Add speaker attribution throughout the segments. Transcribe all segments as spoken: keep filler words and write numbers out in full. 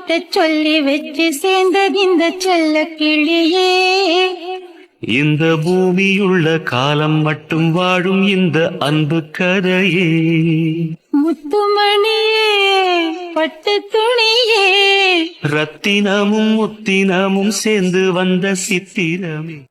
Speaker 1: கிட்ட சொல்லி வச்சு சேர்ந்தது இந்த செல்ல கிளியே.
Speaker 2: இந்த பூமியுள்ள காலம் மட்டும் வாழும் இந்த அன்பு கதையே.
Speaker 1: முத்துமணியே பட்டு துணியே,
Speaker 2: ரத்தினமும் முத்தினமும் சேர்ந்து வந்த சித்திரமே.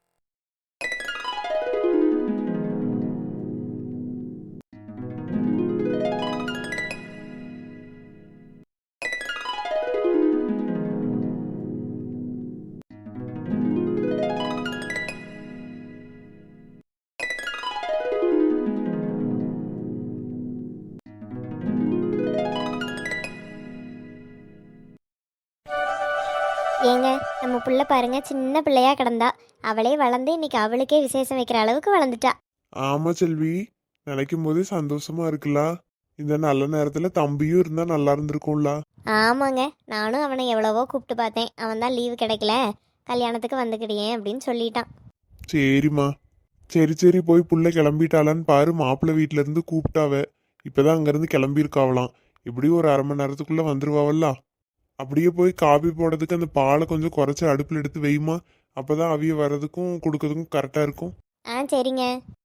Speaker 3: ஏங்க நம்ம புள்ள பாருங்க, சின்ன பிள்ளையா கிடந்தா, அவளே வளர்ந்து இன்னைக்கு அவளுக்கே விசேஷம் வைக்கிற அளவுக்கு வளர்ந்துட்டா.
Speaker 4: ஆமா செல்வி, நினைக்கும் போதே சந்தோஷமா இருக்குல்ல. இந்த நல்ல நேரத்துல தம்பியும் இருந்தா நல்லா இருந்திருக்கும்ல.
Speaker 3: ஆமாங்க, நானும் அவனை எவ்வளவோ கூப்பிட்டு பார்த்தேன். அவன் தான் லீவு கிடைக்கல, கல்யாணத்துக்கு வந்துக்கிடியேன் அப்படின்னு சொல்லிட்டான்.
Speaker 4: சரிம்மா, சரி சரி போய் புள்ள கிளம்பிட்டாளான்னு பாரு. மாப்பிள்ளை வீட்டுல இருந்து கூப்பிட்டாவ, இப்பதான் அங்கிருந்து கிளம்பியிருக்காவலாம். இப்படியும் ஒரு அரை மணி நேரத்துக்குள்ள வந்துருவாவல்ல. அப்படியே போய் காபி போடுறதுக்கு அந்த பாலை கொஞ்சம் குறைச்சி அடுப்பில் எடுத்து வைமா. அப்போதான் அவிய வர்றதுக்கும் கொடுக்கறதுக்கும் கரெக்டாக இருக்கும்.
Speaker 3: ஆ சரிங்க.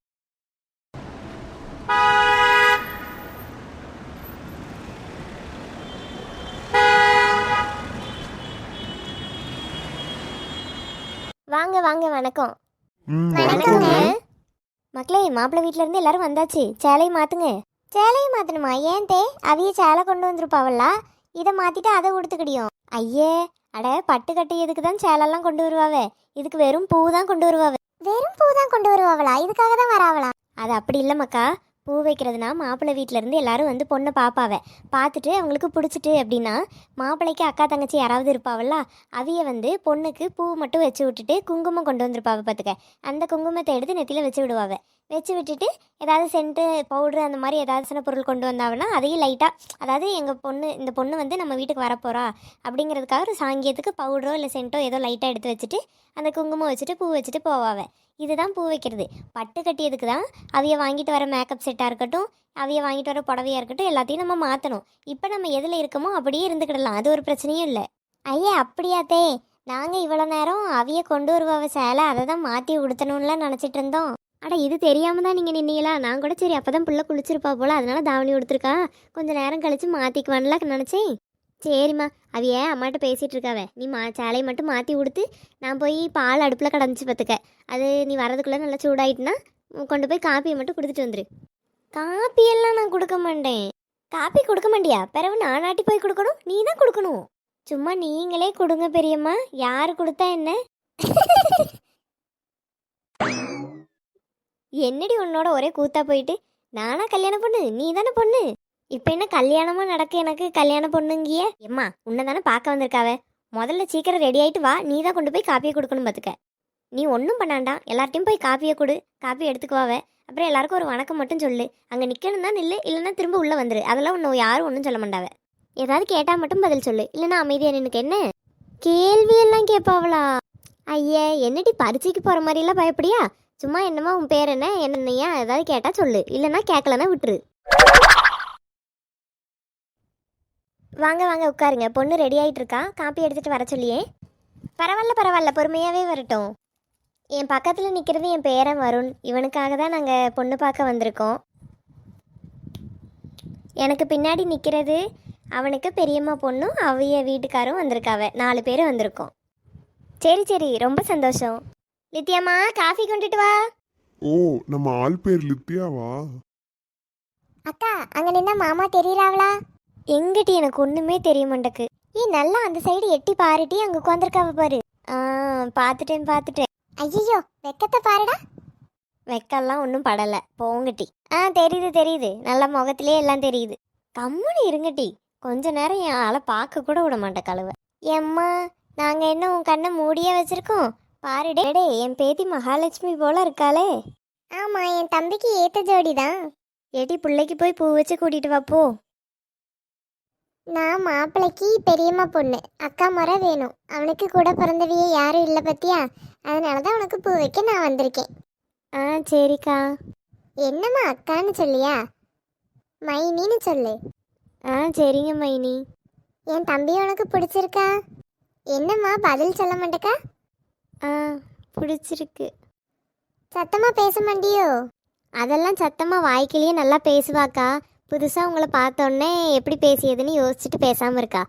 Speaker 3: வாங்க வாங்க, வணக்கம். வணக்கங்க மக்களே, மாப்பிள்ளை வீட்டுல இருந்து எல்லாரும் வந்தாச்சு. சேலையை மாத்துங்க. சேலையை மாத்தணுமா? ஏன் தே, அவிய சேலை கொண்டு வந்துருப்பாவல்ல, இதை மாத்திட்டு அதை கொடுத்துக்கிடியும். ஐயே, அட பட்டு கட்டியதுக்கு தான் சேலெல்லாம் கொண்டு வருவாவே, இதுக்கு வெறும் பூ தான் கொண்டு வருவாவே. வெறும் பூ தான் கொண்டு வருவாங்களா? இதுக்காக தான் வராவளா? அது அப்படி இல்லை மக்கா. பூ வைக்கிறதுனா மாப்பிள்ளை வீட்டில இருந்து எல்லாரும் வந்து பொண்ணை பார்ப்பாவே. பார்த்துட்டு அவங்களுக்கு பிடிச்சிட்டு அப்படின்னா மாப்பிள்ளைக்கு அக்கா தங்கச்சி யாராவது இருப்பாவல்ல, அவிய வந்து பொண்ணுக்கு பூ மட்டும் வச்சு விட்டுட்டு குங்குமம் கொண்டு வந்திருப்பாவ. பார்த்துக்க, அந்த குங்குமத்தை எடுத்து நெத்தியில் வச்சு விடுவாவே. வச்சு விட்டுட்டு ஏதாவது சென்ட்டு பவுட்ரு அந்த மாதிரி ஏதாவது சின்ன பொருள் கொண்டு வந்தாங்கன்னா அதையும் லைட்டாக, அதாவது எங்கள் பொண்ணு இந்த பொண்ணு வந்து நம்ம வீட்டுக்கு வரப்போகிறா அப்படிங்கிறதுக்காக ஒரு சாங்கியத்துக்கு பவுடரோ இல்லை சென்ட்டோ ஏதோ லைட்டாக எடுத்து வச்சுட்டு அந்த குங்குமம் வச்சுட்டு பூ வச்சுட்டு போவாவே. இதுதான் பூ வைக்கிறது. பட்டு கட்டியதுக்கு தான் அவைய வாங்கிட்டு வர மேக்கப் செட்டாக இருக்கட்டும், அவைய வாங்கிட்டு வர புடவையாக இருக்கட்டும், எல்லாத்தையும் நம்ம மாற்றணும். இப்போ நம்ம எதில் இருக்கமோ அப்படியே இருந்துக்கிடலாம், அது ஒரு பிரச்சனையும் இல்லை. ஐயா அப்படியாத்தே, நாங்கள் இவ்வளோ நேரம் அவைய கொண்டு வருவாவ சேலை, அதை தான் மாற்றி உடுத்தணும்லாம் நினச்சிட்டு இருந்தோம். அட இது தெரியாமல் தான் நீங்கள் நின்னீங்களா? நான் கூட சரி அப்போ தான் பிள்ளை குளிச்சிருப்பா போல், அதனால தாவணி கொடுத்துருக்கா, கொஞ்சம் நேரம் கழித்து மாற்றிக்குவான்லாம் நினச்சேன். சரிம்மா, அவைய அம்மாட்ட பேசிகிட்டு இருக்காவே, நீ மா சேலையை மட்டும் மாற்றி கொடுத்து நான் போய் பால் அடுப்பில் கடந்துச்சு பார்த்துக்க. அது நீ வரதுக்குள்ளே நல்லா சூடாயிட்டுனா கொண்டு போய் காப்பியை மட்டும் கொடுத்துட்டு வந்துரு. காப்பியெல்லாம் நான் கொடுக்க மாட்டேன். காப்பி கொடுக்க மாட்டியா? பிறகு நானாட்டி போய் கொடுக்கணும், நீ தான் கொடுக்கணும். சும்மா நீங்களே கொடுங்க பெரியம்மா, யார் கொடுத்தா என்ன? என்னடி உன்னோட ஒரே கூத்தா போயிட்டு, நானா கல்யாண பொண்ணு, நீ தானே பொண்ணு. இப்போ என்ன கல்யாணமாக நடக்க எனக்கு கல்யாண பொண்ணுங்கிய? எம்மா உன்னை தானே பார்க்க வந்திருக்காவே, முதல்ல சீக்கிரம் ரெடி ஆகிட்டு வா, நீ தான் கொண்டு போய் காப்பியை கொடுக்கணும் பார்த்துக்க. நீ ஒன்றும் பண்ணாண்டா, எல்லார்ட்டையும் போய் காப்பியை கொடு, காப்பி எடுத்துக்குவாவே. அப்புறம் எல்லாருக்கும் ஒரு வணக்கம் மட்டும் சொல்லு. அங்கே நிற்கணும் தான் நில்லு, இல்லைன்னா திரும்ப உள்ளே வந்துரு. அதெல்லாம் ஒன்று யாரும் ஒன்றும் சொல்ல மாட்டாவே. ஏதாவது கேட்டால் மட்டும் பதில் சொல்லு, இல்லைன்னா அமைதியாக நினைக்க. என்ன கேள்வியெல்லாம் கேட்பாவளா? ஐயே, என்னடி பரீட்சைக்கு போகிற மாதிரிலாம் பயப்படியா? சும்மா என்னமா உன் பேர் என்ன என்னையா ஏதாவது கேட்டால் சொல்லு, இல்லைன்னா கேட்கலன்னா விட்டுரு. வாங்க வாங்க உட்காருங்க, பொண்ணு ரெடி ஆகிட்டு இருக்கா, காப்பி எடுத்துகிட்டு வர சொல்லியே. பரவாயில்ல பரவாயில்ல, பொறுமையாகவே வரட்டும். என் பக்கத்தில் நிற்கிறது என் பேரன் வருண், இவனுக்காக தான் நாங்கள் பொண்ணு பார்க்க வந்திருக்கோம். எனக்கு பின்னாடி நிற்கிறது அவனுக்கு பெரியம்மா பொண்ணும் அவைய வீட்டுக்காரும் வந்திருக்காவ. நாலு பேர் வந்திருக்கோம். சரி சரி, ரொம்ப சந்தோஷம். லித்தியாம்மா காஃபி கொண்டுட்டு வா.
Speaker 4: ஓ, நம்ம ஆள் பேர் லித்தியாவா?
Speaker 3: அக்கா அங்க நின்னா மாமா தெரியறாவளா? எங்கடி எனக்கு ஒண்ணுமே தெரிய மாட்டேக்கு. ஏ நல்லா அந்த சைடு எட்டி பாருட்டி, அங்க உட்காந்துருக்காவ பாரு. ஆ பாத்துட்டேன் பாத்துட்டேன். ஐயோ வெக்கத்தை பாருடா. வெக்கெல்லாம் ஒன்றும் படலை, போங்கட்டி. ஆ தெரியுது தெரியுது, நல்ல முகத்திலே எல்லாம் தெரியுது. கம்முனு இருங்கட்டி, கொஞ்ச நேரம் என் ஆளை பார்க்க கூட விட மாட்டேன் கழுவ. எம்மா நாங்கள் என்ன உன் கண்ணை மூடியே வச்சிருக்கோம் பாருடே. டே என் பேத்தி மகாலட்சுமி போல இருக்காளே. ஆமாம், என் தம்பிக்கு ஏற்ற ஜோடி தான். ஏட்டி பிள்ளைக்கு போய் பூ வச்சு கூட்டிகிட்டு வாப்போ. நான் மாப்பிள்ளைக்கு பெரியம்மா பொண்ணு, அக்கா முறை வேணும். அவனுக்கு கூட பிறந்தவிய யாரும் இல்லை பத்தியா, அதனால தான் உனக்கு பூ வைக்க நான் வந்திருக்கேன். ஆ சரிக்கா. என்னம்மா அக்கான்னு சொல்லியா? மைனின்னு சொல்லு. ஆ சரிங்க மைனி. என் தம்பி உனக்கு பிடிச்சிருக்கா? என்னம்மா பதில் சொல்ல மாட்டேக்கா? ஆ, பிடிச்சிருக்கு. சத்தமா பேச மாட்டியோ? அதெல்லாம் சத்தமா வாய்க்கிலேயே நல்லா பேசுவாக்கா. புதுசா உங்களை பார்த்தோன்னே எப்படி பேசியதுன்னு யோசிச்சுட்டு பேசாம இருக்கா.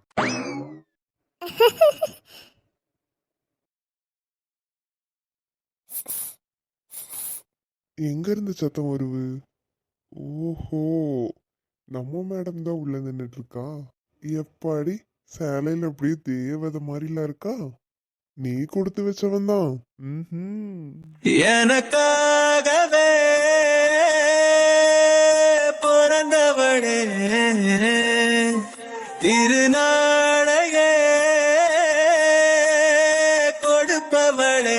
Speaker 4: எங்க இருந்து சத்தம் வருது? ஓஹோ, நம்ம மேடம் தான் உள்ள நின்றுட்டு இருக்கா. எப்பாடி சேலையில அப்படியே தேவதை மாதிரிலாம் இருக்கா. நீ கொடுத்து வச்சவன் தான்.
Speaker 2: எனக்காகவே பிறந்தவளே திருநாளையே கொடுப்பவளே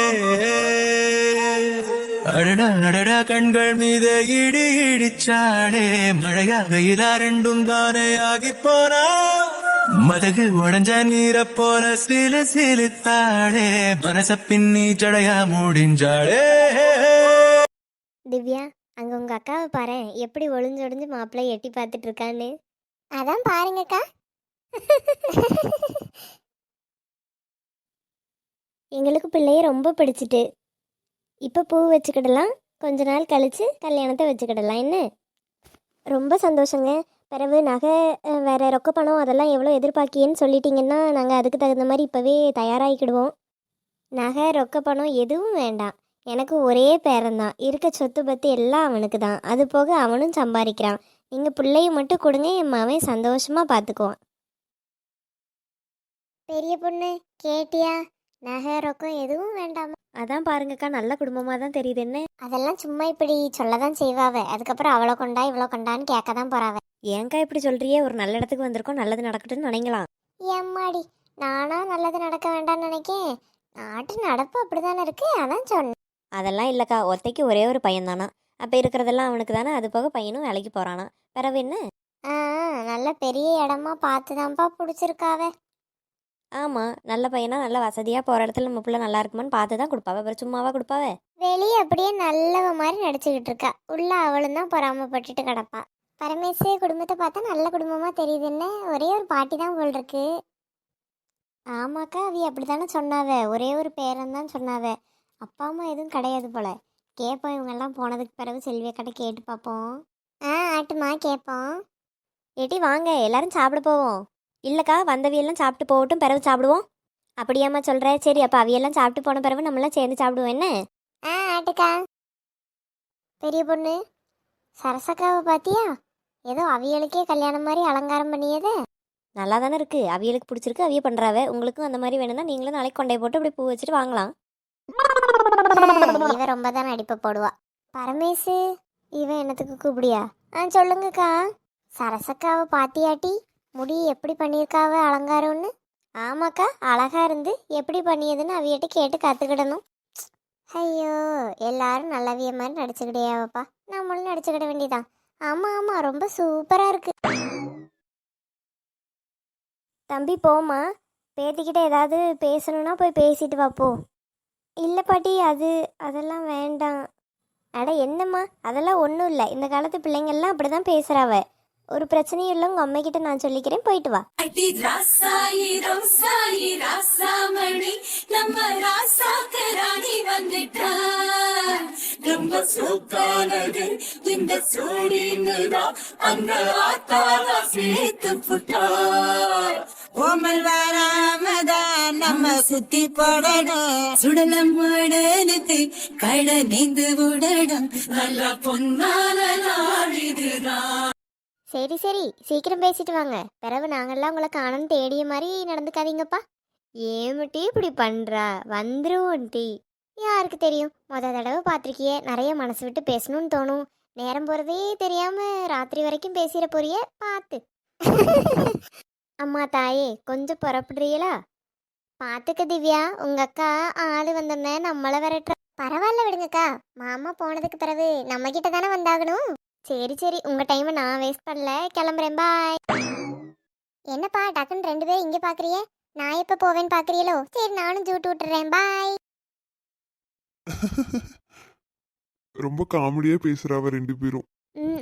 Speaker 2: அடடா அடடா கண்கள் மீது இடி இடிச்சாடே மழையாக இதா ரெண்டும் தானே ஆகி போனா மதகு உடஞ்ச நீர போல சிலு சிலுத்தாடே மனச பின்னி ஜடையா முடிஞ்சாடே.
Speaker 3: திவ்யா, அங்க உங்க அக்காவை பாரு எப்படி ஒளிஞ்சு ஒளிஞ்சு மாப்பிள்ளை எட்டி பார்த்துட்டு இருக்கான்னு. அதான் பாருங்கக்கா. எங்களுக்கு பிள்ளைய ரொம்ப பிடிச்சிட்டு. இப்போ பூ வச்சுக்கிடலாம், கொஞ்ச நாள் கழிச்சு கல்யாணத்தை வச்சுக்கிடலாம். என்ன ரொம்ப சந்தோஷங்க. பிறகு நகை வேற ரொக்க பணம் அதெல்லாம் எவ்வளோ எதிர்பார்க்கியன்னு சொல்லிட்டீங்கன்னா நாங்கள் அதுக்கு தகுந்த மாதிரி இப்போவே தயாராகிக்கிடுவோம். நகை ரொக்க பணம் எதுவும் வேண்டாம். எனக்கு ஒரே பேரன்தான், இருக்க சொத்து பற்றி எல்லாம் அவனுக்கு தான். அது போக அவனும் சம்பாதிக்கிறான். நீங்கள் பிள்ளைய மட்டும் கொடுங்க, என் மவன் சந்தோஷமாக பார்த்துக்குவான். பெரிய பொண்ணு கேட்டியா? நகை ரொக்கம் எதுவும் வேண்டாமா? அதான் பாருங்கக்கா, நல்ல குடும்பமாக தான் தெரியுது. என்ன அதெல்லாம் சும்மா இப்படி சொல்லதான் செய்வாவ. அதுக்கப்புறம் அவளை கொண்டா இவ்வளோ கொண்டான்னு கேட்க தான் போறாவ. ஏங்கா இப்படி சொல்றியே? ஒரு நல்ல இடத்துக்கு வந்திருக்கோம், நல்லது நடக்கட்டும்னு நினைக்கலாம். ஏம்மாடி, நானா நல்லது நடக்க வேண்டாம்னு நினைக்கேன். நாட்டு நடப்பு அப்படிதானே இருக்கு, அதான் சொன்னேன். அதெல்லாம் இல்லைக்கா, ஒத்தைக்கு ஒரே ஒரு பையன் தானா. அப்போ இருக்கிறதெல்லாம் அவனுக்கு தானே. அது போக பையனும் வேலைக்கு போகிறானா. பிறகு என்ன? ஆ, நல்ல பெரிய இடமா பார்த்து தான்ப்பா பிடிச்சிருக்காவே. ஆமாம், நல்ல பையனா நல்ல வசதியாக போகிற இடத்துல நம்ம பிள்ளை நல்லா இருக்குமான்னு பார்த்து தான் கொடுப்பாவே. அப்புறம் சும்மாவா கொடுப்பாவே? வெளியே அப்படியே நல்லவ மாதிரி நடிச்சுக்கிட்டு இருக்கா, உள்ள அவளும் தான் பொறாமப்பட்டுட்டு கிடப்பா. பரமேஸ்வரி குடும்பத்தை பார்த்தா நல்ல குடும்பமாக தெரியுதுன்னு. ஒரே ஒரு பாட்டி தான் போல் இருக்கு. ஆமாக்கா, அவி அப்படி தானே சொன்னாவே. ஒரே ஒரு பேரன் தான் சொன்னாவே. அப்பா அம்மா எதுவும் கிடையாது போல. கேட்போம், இவங்கெல்லாம் போனதுக்கு பிறகு செல்வியக்கிட்ட கேட்டு பார்ப்போம். ஆ, ஆட்டுமா கேட்போம். ஏட்டி வாங்க, எல்லாரும் சாப்பிட போவோம். இல்லைக்கா, வந்தவியெல்லாம் சாப்பிட்டு போகட்டும், பிறகு சாப்பிடுவோம். அப்படியாம்மா சொல்கிற? சரி, அப்போ அவியெல்லாம் சாப்பிட்டு போன பிறகு நம்மளாம் சேர்ந்து சாப்பிடுவோம். என்ன? ஆ, ஆட்டுக்கா. பெரிய பொண்ணு, சரசக்காவை பார்த்தியா? ஏதோ அவியலுக்கே கல்யாணம் மாதிரி அலங்காரம் பண்ணியதே. நல்லா தானே இருக்குது, அவியலுக்கு பிடிச்சிருக்கு, அவிய பண்ணுறாவ. உங்களுக்கும் அந்த மாதிரி வேணும்னா நீங்களும் நாளைக்கு கொண்டே போட்டு அப்படி பூ வச்சுட்டு வாங்கலாம். இவன் ரொம்ப தான் நடிப்பை போடுவா. பரமேசு, இவன் என்னத்துக்கு கூப்பிடியா? ஆ, சொல்லுங்கக்கா. சரசக்காவை பாத்தியாட்டி? முடி எப்படி பண்ணியிருக்காவ அலங்காரம்னு? ஆமாக்கா, அழகா இருந்து எப்படி பண்ணியதுன்னு அவியிட்ட கேட்டு கற்றுக்கிடணும். ஐயோ, எல்லாரும் நல்லவிய மாதிரி நடிச்சுக்கிட்டேயாவப்பா, நம்மளும் நடிச்சுக்கிட வேண்டியதான். ஆமாம் ஆமாம், ரொம்ப சூப்பராக இருக்கு. தம்பி போமா, பேத்திக்கிட்ட ஏதாவது பேசணுன்னா போய் பேசிட்டு வாப்போ. இல்லை பாட்டி, அது அதெல்லாம் வேண்டாம். அட என்னம்மா, அதெல்லாம் ஒன்றும் இல்லை. இந்த காலத்து பிள்ளைங்கள்லாம் அப்படி தான் பேசுகிறாவ. ஒரு பிரச்சனையும் இல்லை, உங்கள் அம்மைக்கிட்ட நான் சொல்லிக்கிறேன், போயிட்டு வா.
Speaker 5: அடி ராசாயி ரோசாயி ராசாமணி நம்ம ராசாக்கு ராணி வந்துட்டா. ரொம்ப சூக்கானது இந்த சூடினுதான் அந்த ஆத்தாவா சேர்த்து புட்டா. ஓமல் வராமதான் நம்ம சுத்தி போடணும். சுடலம் உடனுக்கு கட நீந்து விடணும். நல்ல பொன்னான நாள் இதுதான்.
Speaker 3: சரி சரி, சீக்கிரம் பேசிட்டு வாங்க. பிறகு நாங்கள்லாம் உங்களை காணணும் தேடிய மாதிரி நடந்துக்காதீங்கப்பா. ஏமிட்டி இப்படி பண்ணுறா? வந்துருவோம் டீ. யாருக்கு தெரியும், மொதல் தடவை பார்த்துருக்கியே, நிறைய மனசு விட்டு பேசணும்னு தோணும். நேரம் போகிறதே தெரியாமல் ராத்திரி வரைக்கும் பேசிட போறிய பார்த்து. அம்மா தாயே, கொஞ்சம் புறப்படுறீங்களா? பார்த்துக்க திவ்யா, உங்கள் அக்கா ஆள் வந்தோன்னே நம்மளை விரட்டுற. பரவாயில்ல விடுங்கக்கா, மாமா போனதுக்கு பிறகு நம்ம கிட்ட தானே வந்தாகணும். சரி சரி, உங்கள் டைமை நான் வேஸ்ட் பண்ணல, கிளம்புறேன், பாய். என்னப்பா டக்குன்னு ரெண்டு பேரும் இங்கே பார்க்குறியே? நான் எப்போ போவேன்னு பார்க்குறீங்களோ? சரி, நானும் ஜூட்டு விட்டுறேன், பாய்.
Speaker 4: ரொம்ப காமெடியா பேசுறாவ ரெண்டு பேரும்.
Speaker 3: ம்